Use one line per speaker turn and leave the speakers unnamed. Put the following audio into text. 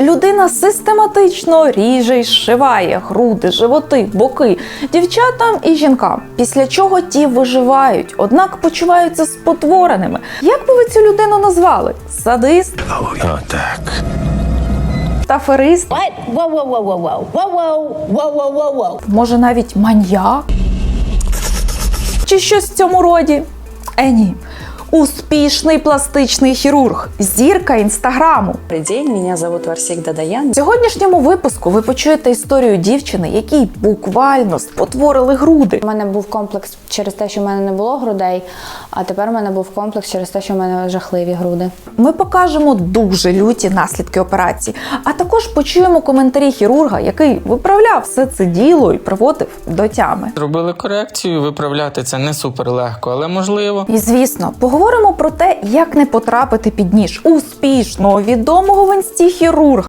людина систематично ріже й зшиває груди, животи, боки дівчатам і жінкам, після чого ті виживають, однак почуваються спотвореними. Як би ви цю людину назвали? Садист?
Так.
Аферист? Може, навіть маньяк? Чи щось в цьому роді? Ні. Успішний пластичний хірург, зірка інстаграму.
Добрый день, меня зовут Варсик Дадаян.
В сьогоднішньому випуску ви почуєте історію дівчини, якій буквально спотворили груди.
У мене був комплекс через те, що в мене не було грудей, а тепер у мене був комплекс через те, що в мене жахливі груди.
Ми покажемо дуже люті наслідки операції, а також почуємо коментарі хірурга, який виправляв все це діло і приводив до тями.
Зробили корекцію, виправляти це не супер легко, але можливо.
І, звісно, поговоримо про те, як не потрапити під ніж успішного, відомого в інсті хірурга.